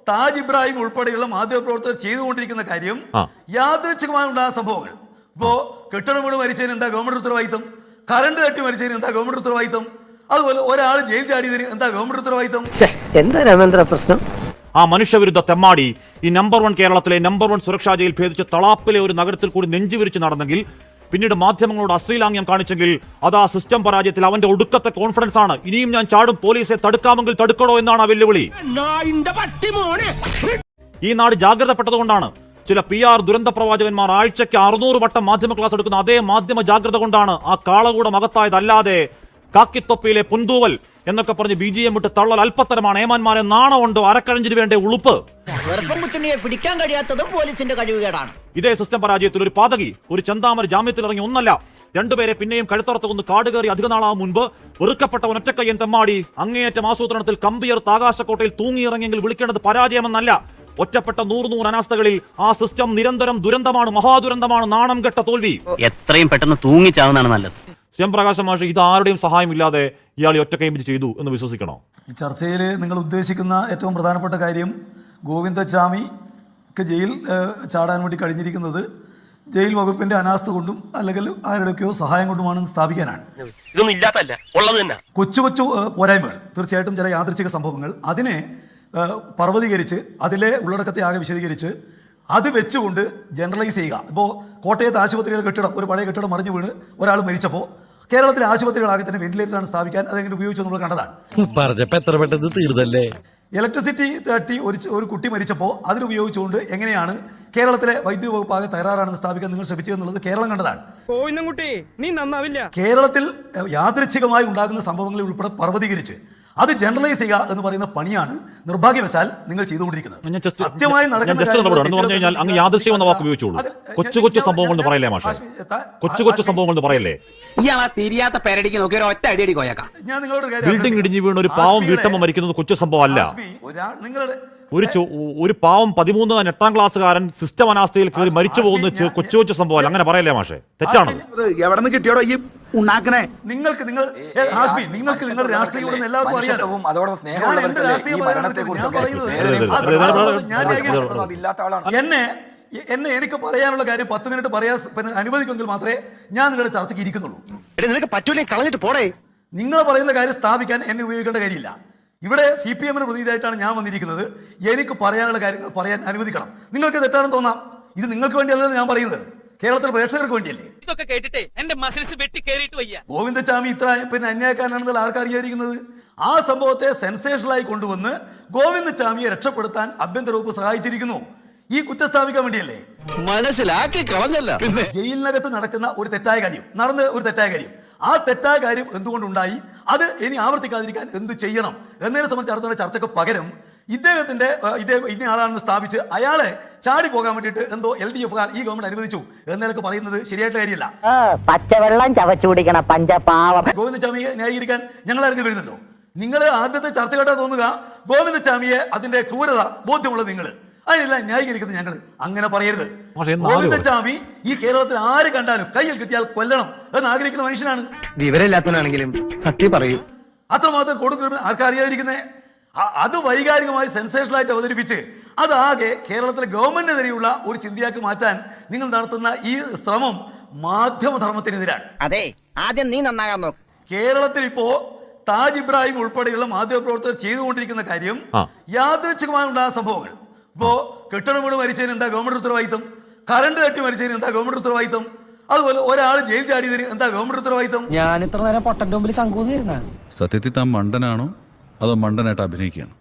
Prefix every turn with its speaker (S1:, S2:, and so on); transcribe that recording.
S1: താജ് ഇബ്രാഹിം ഉൾപ്പെടെയുള്ള മാധ്യമപ്രവർത്തകർ ചെയ്തുകൊണ്ടിരിക്കുന്ന കാര്യം യാദൃച്ഛികമായി ഉണ്ടാകുന്ന സംഭവങ്ങൾ. ഇപ്പോ കെട്ടിടം വീട് മരിച്ചതിന് എന്താ ഗവൺമെന്റ് ഉത്തരവാദിത്തം? കറണ്ട് തട്ടി മരിച്ചതിന് എന്താ ഗവൺമെന്റ് ഉത്തരവാദിത്തം? അതുപോലെ ഒരാൾ ജയിൽ ചാടിയതിന് എന്താ ഗവൺമെന്റ് ഉത്തരവാദിത്തം?
S2: എന്താ രാമേന്ദ്ര പ്രശ്നം?
S3: ആ മനുഷ്യവിരുദ്ധ തെമ്മാടി ഈ നമ്പർ 1 കേരളത്തിലെ നമ്പർ 1 സുരക്ഷാ ജയിൽ ഭേദിച്ച് തളാപ്പിലെ ഒരു നഗരത്തിൽ കൂടി നെഞ്ചുവിരിച്ച് നടന്നെങ്കിൽ, പിന്നീട് മാധ്യമങ്ങളോട് അശ്ലീലാംഗ്യം കാണിച്ചെങ്കിൽ, അത് ആ സിസ്റ്റം പരാജയത്തിൽ അവന്റെ ഒടുക്കത്തെ കോൺഫിഡൻസ് ആണ്. ഇനിയും ഞാൻ ചാടും, പോലീസെ തടുക്കാമെങ്കിൽ തടുക്കണോ എന്നാണ് ആ വെല്ലുവിളി. ഈ നാട് ജാഗ്രതപ്പെട്ടതുകൊണ്ടാണ്. ചില PR ദുരന്ത പ്രവാചകന്മാർ ആഴ്ചയ്ക്ക് 600 വട്ടം മാധ്യമ ക്ലാസ് എടുക്കുന്ന അതേ മാധ്യമ ജാഗ്രത കൊണ്ടാണ് ആ കാളകൂടം അകത്തായതല്ലാതെ കാക്കിത്തൊപ്പിയിലെ പുന്തൂവൽ എന്നൊക്കെ പറഞ്ഞ് BGM വിട്ട് തള്ളൽ അല്പത്തരമാണ്. ഏമാന്മാരെ നാണമുണ്ടോ? അരക്കഴഞ്ചിന് വേണ്ട ഉളുപ്പ്.
S2: പിടിക്കാൻ കഴിയാത്തതും പോലീസിന്റെ കഴിവുകേടാണ്.
S3: ഇതേ സിസ്റ്റം പരാജയത്തിൽ ഒരു പാതകി, ഒരു ചെന്താമര ജാമ്യത്തിൽ ഇറങ്ങി ഒന്നല്ല 2 പേരെ പിന്നെയും കഴുത്തറത്ത് കൊന്ന് കാട് കയറി അധിക നാളാവും മുൻപ് വെറുക്കപ്പെട്ട ഒറ്റക്കയ്യൻ തെമ്മാടി അങ്ങേയറ്റം ആസൂത്രണത്തിൽ കമ്പിയർത്ത് ആകാശക്കോട്ടയിൽ തൂങ്ങിയിറങ്ങിയെങ്കിൽ വിളിക്കേണ്ടത് പരാജയമെന്നല്ല. ഒറ്റപ്പെട്ട 100 അനാസ്ഥകളിൽ ആ സിസ്റ്റം നിരന്തരം ദുരന്തമാണ്, മഹാദുരന്തമാണ്, നാണം കെട്ട തോൽവി.
S4: എത്രയും പെട്ടെന്ന് തൂങ്ങിച്ചാവുന്നതാണ് നല്ലത്.
S3: ശ്യാംപ്രകാശ് മാഷ്, ഇത് ആരുടെയും സഹായമില്ലാതെ ഇയാൾ ഒറ്റക്കൈ ചെയ്തു എന്ന് വിശ്വസിക്കണോ?
S1: ഈ ചർച്ചയിൽ നിങ്ങൾ ഉദ്ദേശിക്കുന്ന ഏറ്റവും പ്രധാനപ്പെട്ട കാര്യം ഗോവിന്ദച്ചാമിക്ക് ജയിൽ ചാടാൻ വേണ്ടി കഴിഞ്ഞിരിക്കുന്നത് ജയിൽ വകുപ്പിന്റെ അനാസ്ഥ കൊണ്ടും അല്ലെങ്കിൽ ആരുടെയൊക്കെയോ സഹായം കൊണ്ടുമാണെന്ന് സ്ഥാപിക്കാനാണ്.
S5: ഇതൊന്നും ഇല്ലാത്തല്ല, ഉള്ളത് തന്നെ.
S1: കൊച്ചു കൊച്ചു പോരായ്മകൾ, തീർച്ചയായിട്ടും ചില യാദൃച്ഛിക സംഭവങ്ങൾ, അതിനെ പർവ്വതീകരിച്ച് അതിലെ ഉള്ളടക്കത്തെ ആകെ വിശദീകരിച്ച് അത് വെച്ചുകൊണ്ട് ജനറലൈസ് ചെയ്യുക. ഇപ്പോൾ കോട്ടയത്ത് ആശുപത്രിയുടെ കെട്ടിടം, ഒരു പഴയ കെട്ടിടം മറിഞ്ഞു വീണ് ഒരാൾ മരിച്ചപ്പോൾ കേരളത്തിലെ ആശുപത്രികളാകെ തന്നെ വെന്റിലേറ്ററാണ് സ്ഥാപിക്കാൻ അതെങ്ങനെ ഉപയോഗിച്ചു നമ്മൾ കണ്ടതാണ്.
S6: എത്ര പെട്ടെന്ന് തീർന്നല്ലേ.
S1: ഇലക്ട്രിസിറ്റി തട്ടി ഒരു കുട്ടി മരിച്ചപ്പോൾ അതിനുപയോഗിച്ചുകൊണ്ട് എങ്ങനെയാണ് കേരളത്തിലെ വൈദ്യുതി വകുപ്പ് ആകെ തയ്യാറാണെന്ന് സ്ഥാപിക്കാൻ നിങ്ങൾ ശ്രമിച്ചതെന്നുള്ളത് കേരളം കണ്ടതാണ്. കേരളത്തിൽ യാദൃച്ഛികമായി ഉണ്ടാകുന്ന സംഭവങ്ങളിൽ ഉൾപ്പെടെ പർവ്വതീകരിച്ച് അത് ജനറലൈസ് ചെയ്യുക എന്ന് പറയുന്ന പണിയാണ് നിർഭാഗ്യവശാൽ നിങ്ങൾ ചെയ്തുകൊണ്ടിരിക്കുന്നത്. സത്യമായി
S3: നടക്കുന്ന അങ്ങ് യാദൃശ്യം എന്ന വാക്ക് ഉപയോഗിച്ചോളൂ. കൊച്ചു കൊച്ചു സംഭവങ്ങൾ എന്ന് പറയല്ലേ മാഷേ? കൊച്ചു കൊച്ചു സംഭവങ്ങൾ എന്ന് പറയല്ലേ?
S2: തിരിയാത്ത പേരടിക്ക് നോക്കി ഒറ്റ അടിയടി കോയക്കാം.
S1: ഞാൻ നിങ്ങളോട്
S3: ബിൽഡിംഗ് ഇടിഞ്ഞു വീണ് ഒരു പാവം വീട്ടമ്മ മരിക്കുന്നത് കൊച്ചു സംഭവം അല്ല.
S1: നിങ്ങളുടെ
S3: ഒരു പാവം 8ാം ക്ലാസ്സുകാരൻ സിസ്റ്റം അനാസ്ഥയിൽ കയറി മരിച്ചു പോകുന്ന കൊച്ചു കൊച്ചു സംഭവം അങ്ങനെ പറയല്ലേ മാഷേ? തെറ്റാണ്.
S7: എവിടെ നിന്ന് കിട്ടിയോടോ ഈ ഉണ്ടാക്കണേ?
S1: നിങ്ങൾക്ക് നിങ്ങളുടെ രാഷ്ട്രീയം എല്ലാവർക്കും അറിയാം. എന്നെ എനിക്ക് പറയാനുള്ള കാര്യം 10 മിനിറ്റ് പറയാൻ അനുവദിക്കുമെങ്കിൽ മാത്രമേ ഞാൻ നിങ്ങളുടെ ചർച്ചയ്ക്ക് ഇരിക്കുന്നുള്ളൂ.
S5: നിനക്ക് പറ്റൂലേ, കളഞ്ഞിട്ട് പോടേ.
S1: നിങ്ങൾ പറയുന്ന കാര്യം സ്ഥാപിക്കാൻ എന്നെ ഉപയോഗിക്കേണ്ട കാര്യമില്ല. ഇവിടെ CPM-ന് പ്രതിനിധിയായിട്ടാണ് ഞാൻ വന്നിരിക്കുന്നത്. എനിക്ക് പറയാനുള്ള കാര്യങ്ങൾ പറയാൻ അനുവദിക്കണം. നിങ്ങൾക്ക് തെറ്റാണെന്ന് തോന്നാം. ഇത് നിങ്ങൾക്ക് വേണ്ടിയല്ലല്ലോ ഞാൻ പറയുന്നത്, കേരളത്തിലെ പ്രേക്ഷകർക്ക് വേണ്ടിയല്ലേ.
S2: ഇതൊക്കെ കേട്ടിട്ടേ എന്റെ മസിൽസ് വെട്ടി കേറിയിട്ട് വയ്യ.
S1: ഗോവിന്ദച്ചാമി ഇത്ര അന്യായക്കാരനാണെന്നുള്ള ആർക്കറിയാതിരിക്കുന്നത്? ആ സംഭവത്തെ സെൻസേഷനായി കൊണ്ടുവന്ന് ഗോവിന്ദച്ചാമിയെ രക്ഷപ്പെടുത്താൻ ആഭ്യന്തര വകുപ്പ് സഹായിച്ചിരിക്കുന്നു. ഈ കുറ്റം സ്ഥാപിക്കാൻ വേണ്ടിയല്ലേ?
S5: മനസ്സിലാക്കി കളഞ്ഞല്ല.
S1: ജയിലിനകത്ത് നടക്കുന്ന ഒരു തെറ്റായ കാര്യം, ആ തെറ്റായ കാര്യം എന്തുകൊണ്ടുണ്ടായി, അത് ഇനി ആവർത്തിക്കാതിരിക്കാൻ എന്ത് ചെയ്യണം എന്നതിനെ സംബന്ധിച്ച് നടത്തുന്ന ചർച്ചയ്ക്ക് പകരം ഇദ്ദേഹത്തിന്റെ ഇന്ന ആളാണെന്ന് സ്ഥാപിച്ച് അയാളെ ചാടി പോകാൻ വേണ്ടിയിട്ട് എന്തോ LDF-കാർ ഈ ഗവൺമെന്റ് അനുവദിച്ചു എന്നൊക്കെ പറയുന്നത് ശരിയായിട്ടുള്ള കാര്യമല്ല.
S2: പച്ചവെള്ളം ചവച്ചു കുടിക്കണ പഞ്ചപാവം.
S1: ഗോവിന്ദച്ചാമിയെ ന്യായീകരിക്കാൻ ഞങ്ങൾ ആരെങ്കിലും വരുന്നുണ്ടോ? നിങ്ങൾ ആദ്യത്തെ ചർച്ച കേട്ടാ തോന്നുക ഗോവിന്ദച്ചാമിയെ അതിന്റെ ക്രൂരത ബോധ്യമുള്ളത് നിങ്ങൾ, അതിനെല്ലാം ന്യായീകരിക്കുന്നത് ഞങ്ങൾ. അങ്ങനെ പറയരുത്. ഗോവിന്ദച്ചാമി ഈ കേരളത്തിൽ ആര് കണ്ടാലും കയ്യിൽ കിട്ടിയാൽ കൊല്ലണം എന്ന് ആഗ്രഹിക്കുന്ന മനുഷ്യനാണ്.
S4: വിവരമില്ലാത്തവനാണെങ്കിലും സത്യം പറയൂ.
S1: അത്രമാത്രം കൊടുക്കുന്ന ആർക്കറിയാതിരിക്കുന്നേ? അത് വൈകാരികമായി സെൻസേഷനായിട്ട് അവതരിപ്പിച്ച് അതാകെ കേരളത്തിലെ ഗവൺമെന്റിനെതിരെയുള്ള ഒരു ചിന്തയാക്കി മാറ്റാൻ നിങ്ങൾ നടത്തുന്ന ഈ ശ്രമം മാധ്യമധർമ്മത്തിനെതിരാണ്.
S2: അതെ, ആദ്യം നീ നന്നാകാൻ നോക്ക്.
S1: കേരളത്തിൽ ഇപ്പോ താജ് ഇബ്രാഹിം ഉൾപ്പെടെയുള്ള മാധ്യമപ്രവർത്തകർ ചെയ്തുകൊണ്ടിരിക്കുന്ന കാര്യം യാദൃച്ഛികമായി ഉണ്ടാകുന്ന സംഭവങ്ങൾ. ഇപ്പോ കെട്ടിടം വീട് മരിച്ചതിന് എന്താ ഗവൺമെന്റ് ഉത്തരവാദിത്തം? കറണ്ട് തട്ടി മരിച്ചതിന് എന്താ ഗവൺമെന്റ് ഉത്തരവാദിത്തം? അതുപോലെ ഒരാൾ ജയിൽ ചാടിയതിന് എന്താ ഗവൺമെന്റ് ഉത്തരവാദിത്തം?
S6: ഞാൻ ഇത്ര നേരം പൊട്ടന്റെ മുമ്പിൽ ശങ്കൂന്നിരുന്ന. സത്യത്തിൽ താൻ മണ്ടനാണോ അതോ മണ്ടനായിട്ട് അഭിനയിക്കുകയാണ്?